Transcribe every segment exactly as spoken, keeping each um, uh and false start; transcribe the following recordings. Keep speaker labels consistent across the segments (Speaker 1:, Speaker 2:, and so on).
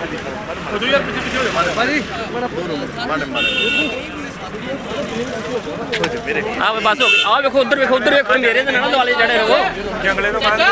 Speaker 1: हाँ बस हो गई। आओ देखो उधर देखो उधर देखो मेरे तो ना वाले जड़े रहो जंगले तो बाहर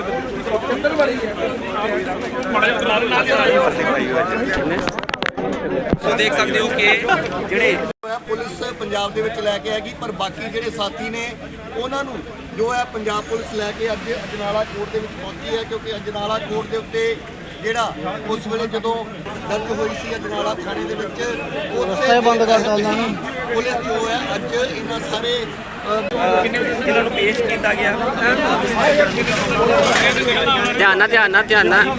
Speaker 1: सो देख सकते हो कि ਜਿਹੜੇ
Speaker 2: ਪੁਲਿਸ ਪੰਜਾਬ ਦੇ ਵਿੱਚ ਲੈ ਕੇ ਆਏਗੀ ਪਰ ਬਾਕੀ ਜਿਹੜੇ ਸਾਥੀ ਨੇ ਉਹਨਾਂ ਨੂੰ ਜੋ ਹੈ ਪੰਜਾਬ ਪੁਲਿਸ ਲੈ ਕੇ ਅੱਜ ਅਜਨਾਲਾ ਕੋਰਟ ਦੇ ਵਿੱਚ ਪਹੁੰਚੀ ਹੈ ਕਿਉਂਕਿ ਅਜਨਾਲਾ ਕੋਰਟ ਦੇ ਉੱਤੇ ਜਿਹੜਾ ਉਸ ਵੇਲੇ ਜਦੋਂ ਦਰਜ ਹੋਈ ਸੀ ਅਜਨਾਲਾ ਥਾਣੇ ਦੇ ਵਿੱਚ ਉੱਥੇ ਬੰਦ ਕਰ ਦਿੱਤਾ ਪੁਲਿਸ ਜੋ ਹੈ ਅੱਜ ਇਹਨਾਂ ਸਾਰੇ
Speaker 1: ਇਹਨਾਂ ਨੂੰ ਪੇਸ਼ ਕੀਤਾ ਗਿਆ ਧਿਆਨ ਨਾਲ ਧਿਆਨ ਨਾਲ ਧਿਆਨ ਨਾਲ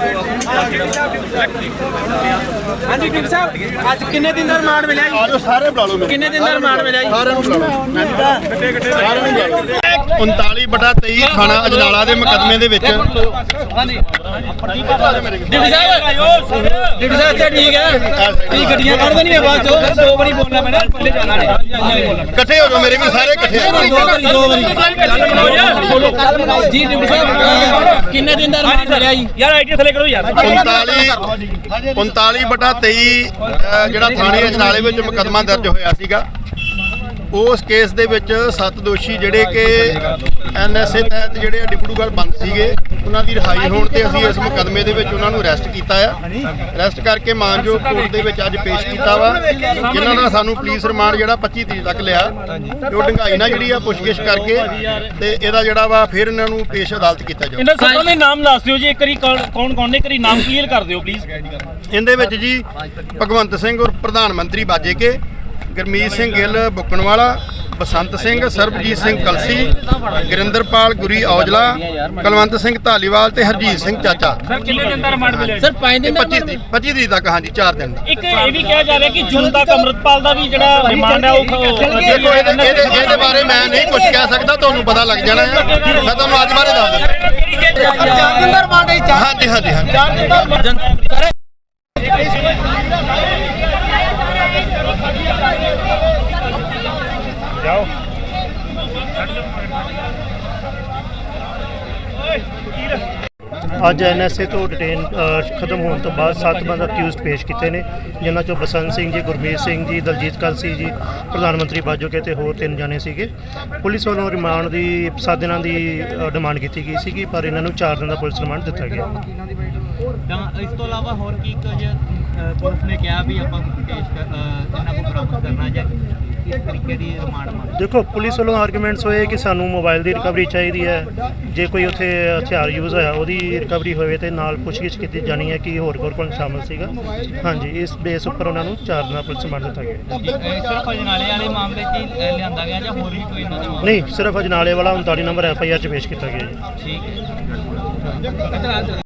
Speaker 1: ਹਾਂਜੀ ਕਿੰਗ ਸਾਹਿਬ ਅੱਜ ਕਿੰਨੇ ਦਿਨ ਦਾ ਰਿਮਾਂਡ ਮਿਲਿਆ ਜੀ
Speaker 2: ਆਜੋ ਸਾਰੇ ਬੁਲਾ ਲਓ
Speaker 1: ਕਿੰਨੇ ਦਿਨ ਦਾ ਰਿਮਾਂਡ ਮਿਲਿਆ ਜੀ
Speaker 2: ਸਾਰਿਆਂ ਨੂੰ ਬੁਲਾ ਲਓ ਗੱਡੇ ਗੱਡੇ ਸਾਰਿਆਂ ਨੂੰ ਬੁਲਾ ਲਓ
Speaker 3: ਉਨਤਾਲੀ ਬਟਾ ਤੇਈ ਥਾਣਾ ਅਜਨਾਲਾ ਦੇ ਮੁਕੱਦਮੇ ਦੇ ਵਿੱਚ
Speaker 1: ਹਾਂਜੀ ਡਿਪਟੀ ਸਾਹਿਬ ਡਿਪਟੀ ਸਾਹਿਬ ਤੇ ਠੀਕ ਹੈ ਤੁਸੀਂ ਗੱਡੀਆਂ ਕੱਢ ਦੇਣੀਆਂ ਬਾਅਦ ਚੋਂ ਦੋ ਵਾਰੀ ਬੋਲਣਾ ਪੈਣਾ ਪੱਲੇ ਜਾਣਾ ਨਹੀਂ
Speaker 3: ਇਕੱਠੇ ਹੋ ਜਾਓ ਮੇਰੇ ਵੀ ਸਾਰੇ ਇਕੱਠੇ
Speaker 1: ਦੋ ਵਾਰੀ ਦੋ ਵਾਰੀ ਜੀ ਡਿਪਟੀ ਸਾਹਿਬ ਕਿੰਨੇ ਦਿਨ ਦਾ ਰਿਮਾਂਡ ਮਿਲਿਆ ਜੀ ਯਾਰ ਆਈਡੀ ਥੱਲੇ ਕਰੋ ਯਾਰ
Speaker 3: ਉਨਤਾਲੀ ਉਨਤਾਲੀ ਬਟਾ ਤੇਈ ਜਿਹੜਾ ਥਾਣੇ ਅਜਨਾਲੇ ਵਿੱਚ ਮੁਕੱਦਮਾ ਦਰਜ ਹੋਇਆ ਸੀਗਾ ਉਸ ਕੇਸ ਦੇ ਵਿੱਚ ਸੱਤ ਦੋਸ਼ੀ ਜਿਹੜੇ ਕਿ ਐਨ ਐਸ ਏ ਤਹਿਤ ਜਿਹੜੇ ਡਿਪਟੂਗੜ੍ਹ ਬੰਦ ਸੀਗੇ ਉਹਨਾਂ ਦੀ ਰਿਹਾਈ ਹੋਣ ਤੇ ਅਸੀਂ ਇਸ ਮੁਕੱਦਮੇ ਦੇ ਵਿੱਚ ਉਹਨਾਂ ਨੂੰ ਅਰੈਸਟ ਕੀਤਾ ਆ ਅਰੈਸਟ ਕਰਕੇ ਮਾਨਯੋਗ ਕੋਰਟ ਦੇ ਵਿੱਚ ਅੱਜ ਪੇਸ਼ ਕੀਤਾ ਵਾ ਜਿਨ੍ਹਾਂ ਦਾ ਸਾਨੂੰ ਪੁਲਿਸ ਰਿਮਾਂਡ ਜਿਹੜਾ ਪੱਚੀ ਤਰੀਕ ਤੱਕ ਲਿਆ ਤੇ ਉਹ ਡੰਗਾਈ ਨਾਲ ਜਿਹੜੀ ਆ ਪੁੱਛਗਿੱਛ ਕਰਕੇ ਤੇ ਇਹਦਾ ਜਿਹੜਾ ਵਾ ਫਿਰ ਇਹਨਾਂ ਨੂੰ ਪੇਸ਼ ਅਦਾਲਤ ਕੀਤਾ ਜਾਊ।
Speaker 4: ਇਹਨਾਂ ਸੱਤਾਂ ਦੇ ਨਾਮ ਦੱਸ ਦਿਓ ਜੀ ਇੱਕ ਵਾਰੀ ਕੌਣ ਕੌਣ ਨੇ ਇੱਕ ਵਾਰੀ ਨਾਮ ਕਲੀਅਰ ਕਰ ਦਿਓ ਪਲੀਜ਼।
Speaker 3: ਇਹਦੇ ਵਿੱਚ ਜੀ ਭਗਵੰਤ ਸਿੰਘ ਔਰ ਪ੍ਰਧਾਨ ਮੰਤਰੀ ਬਾਜੇ ਕੇ ਗੁਰਮੀਤ ਸਿੰਘ ਗਿੱਲ ਬੁੱਕਣਵਾਲਾ ਬਸੰਤ ਸਿੰਘ ਸਰਬਜੀਤ ਸਿੰਘ ਕਲਸੀ ਗੁਰਿੰਦਰਪਾਲ ਗੁਰੀ ਔਜਲਾ ਕੁਲਵੰਤ ਸਿੰਘ ਧਾਲੀਵਾਲ ਤੇ ਹਰਜੀਤ ਸਿੰਘ ਚਾਚਾ।
Speaker 4: ਸਰ ਕਿੰਨੇ ਦਿਨ ਦਾ ਰਿਮਾਂਡ ਮਿਲਿਆ
Speaker 1: ਸਰ ਪੰਜ ਦਿਨ ਦਾ
Speaker 3: ਪੱਚੀ ਪੱਚੀ ਤਰੀਕ ਤੱਕ ਹਾਂਜੀ ਚਾਰ ਦਿਨ ਦਾ।
Speaker 4: ਇੱਕ ਇਹ ਵੀ ਕਿਹਾ ਜਾ ਰਿਹਾ ਕਿ ਜੂਨ ਤੱਕ ਅੰਮ੍ਰਿਤਪਾਲ ਦਾ ਵੀ ਜਿਹੜਾ ਰਿਮਾਂਡ ਹੈ ਉਹ
Speaker 3: ਦੇਖੋ ਇਹਦੇ ਇਹਦੇ ਬਾਰੇ ਮੈਂ ਨਹੀਂ ਕੁਝ ਕਹਿ ਸਕਦਾ ਤੁਹਾਨੂੰ ਪਤਾ ਲੱਗ ਜਾਣਾ ਹੈ ਮੈਂ ਤੁਹਾਨੂੰ ਅੱਜ ਬਾਰੇ ਦੱਸ ਦਿੰਦਾ
Speaker 1: ਚਾਰ ਦਿਨ ਦਾ ਰਿਮਾਂਡ ਹੈ
Speaker 3: ਹਾਂਜੀ ਹਾਂਜੀ ਹਾਂਜੀ
Speaker 1: ਚਾਰ ਦਿਨ ਦਾ
Speaker 4: ਜਾਓ
Speaker 5: ਅੱਜ ਐਨ ਐਸ ਏ ਤੋਂ ਡਿਟੇਨ ਖਤਮ ਹੋਣ ਤੋਂ ਬਾਅਦ ਸੱਤ ਬੰਦ ਅਕਿਊਜ਼ਡ ਪੇਸ਼ ਕੀਤੇ ਨੇ ਜਿਨ੍ਹਾਂ ਚੋਂ ਬਸੰਤ ਸਿੰਘ ਜੀ ਗੁਰਮੀਤ ਸਿੰਘ ਜੀ ਦਲਜੀਤ ਕਲਸੀ ਜੀ ਪ੍ਰਧਾਨ ਮੰਤਰੀ ਬਾਜੋਕੇ ਤੇ ਹੋਰ ਤਿੰਨ ਜਾਣੇ ਸੀਗੇ। ਪੁਲਿਸ ਵੱਲੋਂ ਰਿਮਾਂਡ ਦੀ ਸੱਤ ਦਿਨਾਂ ਦੀ ਡਿਮਾਂਡ ਕੀਤੀ ਗਈ ਸੀਗੀ ਪਰ ਇਹਨਾਂ ਨੂੰ ਚਾਰ ਦਿਨ ਦਾ ਪੁਲਿਸ ਰਿਮਾਂਡ ਦਿੱਤਾ ਗਿਆ।
Speaker 6: ਤਾਂ ਇਸ ਤੋਂ ਇਲਾਵਾ ਹੋਰ ਕੀ ਕੁਝ ਪੁਲਿਸ ਨੇ ਕਿਹਾ ਵੀ ਆਪਾਂ ਪੇਸ਼ ਕਰ ਇਹਨਾਂ ਨੂੰ ਬਰਾਮਦ ਕਰਨਾ ਜਾਂ ਕਿਸ ਤਰੀਕੇ ਦੀ ਰਿਮਾਂਡ ਮੰਗ?
Speaker 5: ਦੇਖੋ ਪੁਲਿਸ ਵੱਲੋਂ ਆਰਗੂਮੈਂਟਸ ਹੋਏ ਕਿ ਸਾਨੂੰ ਮੋਬਾਈਲ ਦੀ ਰਿਕਵਰੀ ਚਾਹੀਦੀ ਹੈ, ਜੇ ਕੋਈ ਉੱਥੇ ਹਥਿਆਰ ਯੂਜ਼ ਹੋਇਆ ਉਹਦੀ ਰਿਕਵਰੀ ਹੋਵੇ ਤੇ ਨਾਲ ਪੁੱਛਗਿੱਛ ਕੀਤੀ ਜਾਣੀ ਹੈ ਕਿ ਹੋਰ ਹੋਰ ਕੌਣ ਸ਼ਾਮਲ ਸੀਗਾ। ਹਾਂਜੀ ਇਸ ਬੇਸ ਉੱਪਰ ਉਹਨਾਂ ਨੂੰ ਚਾਰ ਦਿਨਾਂ ਪੁਲਿਸ ਰਿਮਾਂਡ ਦਿੱਤਾ ਗਿਆ।
Speaker 6: ਸਿਰਫ ਅਜਨਾਲੇ ਵਾਲੇ ਮਾਮਲੇ 'ਚ ਹੀ ਲਿਆਂਦਾ ਗਿਆ ਜਾਂ ਹੋਰ ਵੀ ਕੋਈ ਇਹਨਾਂ ਦੇ ਮਾਮਲੇ?
Speaker 5: ਨਹੀਂ ਸਿਰਫ ਅਜਨਾਲੇ ਵਾਲਾ ਉਨਤਾਲੀ ਨੰਬਰ ਐਫ ਆਈ ਆਰ 'ਚ ਪੇਸ਼ ਕੀਤਾ ਗਿਆ ਜੀ।
Speaker 6: ਠੀਕ ਹੈ।